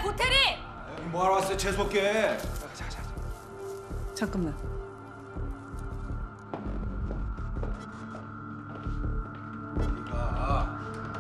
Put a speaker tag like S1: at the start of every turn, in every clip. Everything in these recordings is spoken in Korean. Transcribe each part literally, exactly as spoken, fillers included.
S1: 고태리!
S2: 여기 뭐하러 왔어요? 재수없게. 자, 자, 자.
S1: 잠깐만.
S2: 아.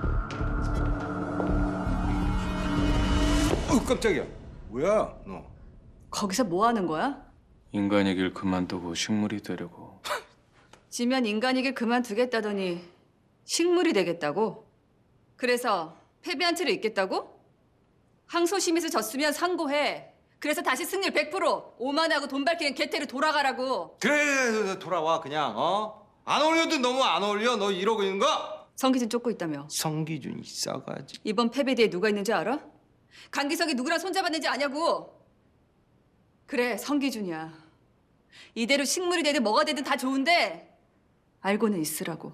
S2: 어, 깜짝이야. 뭐야, 너?
S1: 거기서 뭐 하는 거야?
S3: 인간의 길 그만두고 식물이 되려고.
S1: 지면 인간이길 그만두겠다더니 식물이 되겠다고? 그래서 패배한 채로 있겠다고? 항소심에서 졌으면 상고해. 그래서 다시 승률 백 퍼센트 오만하고 돈 밝히는 개태로 돌아가라고.
S2: 그래, 돌아와 그냥. 어? 안 어울려도 너무 안 어울려. 너 이러고 있는 거?
S1: 성기준 쫓고 있다며.
S2: 성기준이 싸가지.
S1: 이번 패배 뒤에 누가 있는지 알아? 강기석이 누구랑 손잡았는지 아냐고. 그래, 성기준이야. 이대로 식물이 되든 뭐가 되든 다 좋은데 알고는 있으라고.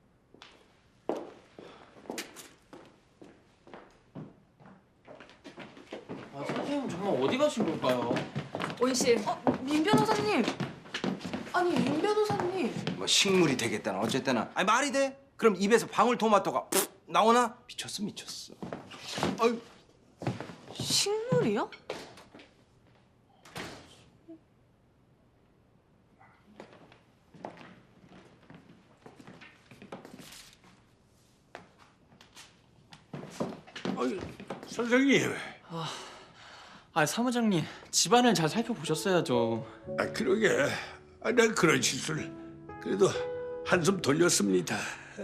S4: 아, 선생님 정말 어디 가신 걸까요?
S1: 온실.
S5: 어, 민 변호사님. 아니, 민 변호사님.
S2: 뭐 식물이 되겠다나 어쨌다나. 아니 말이 돼? 그럼 입에서 방울토마토가 푹 나오나? 미쳤어, 미쳤어. 아유.
S5: 식물이요?
S6: 어이, 선생님.
S4: 아, 사무장님 집안을 잘 살펴보셨어야죠.
S6: 아, 그러게. 아, 난 그런 실수를 그래도 한숨 돌렸습니다.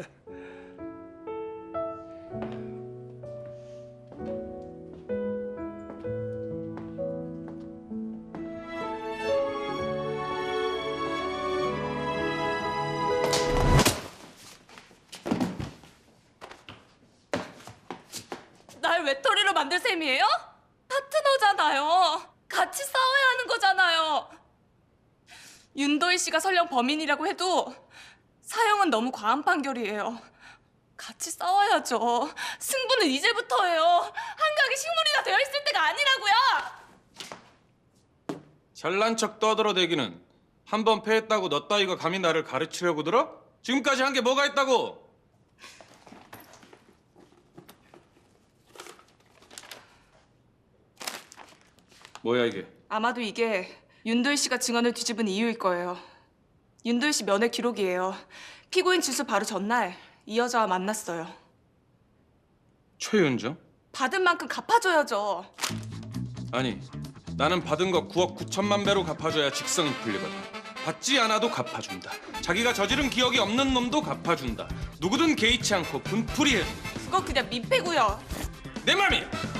S5: 날 외톨이로 만들 셈이에요? 파트너잖아요. 같이 싸워야 하는 거잖아요. 윤도희 씨가 설령 범인이라고 해도 사형은 너무 과한 판결이에요. 같이 싸워야죠. 승부는 이제부터예요. 한강이 식물이나 되어 있을 때가 아니라고요.
S3: 잘난 척 떠들어대기는 한 번 패했다고 너 따위가 감히 나를 가르치려고 들어? 지금까지 한 게 뭐가 있다고? 뭐야 이게?
S5: 아마도 이게 윤도희 씨가 증언을 뒤집은 이유일 거예요. 윤도희 씨 면회 기록이에요. 피고인 주수 바로 전날 이 여자와 만났어요.
S3: 최윤정?
S5: 받은 만큼 갚아줘야죠.
S3: 아니, 나는 받은 거 구억 구천만 배로 갚아줘야 직성이 풀리거든. 받지 않아도 갚아준다. 자기가 저지른 기억이 없는 놈도 갚아준다. 누구든 개의치 않고 분풀이 해준다.
S5: 그거 그냥 민폐고요.
S3: 내 맘이야!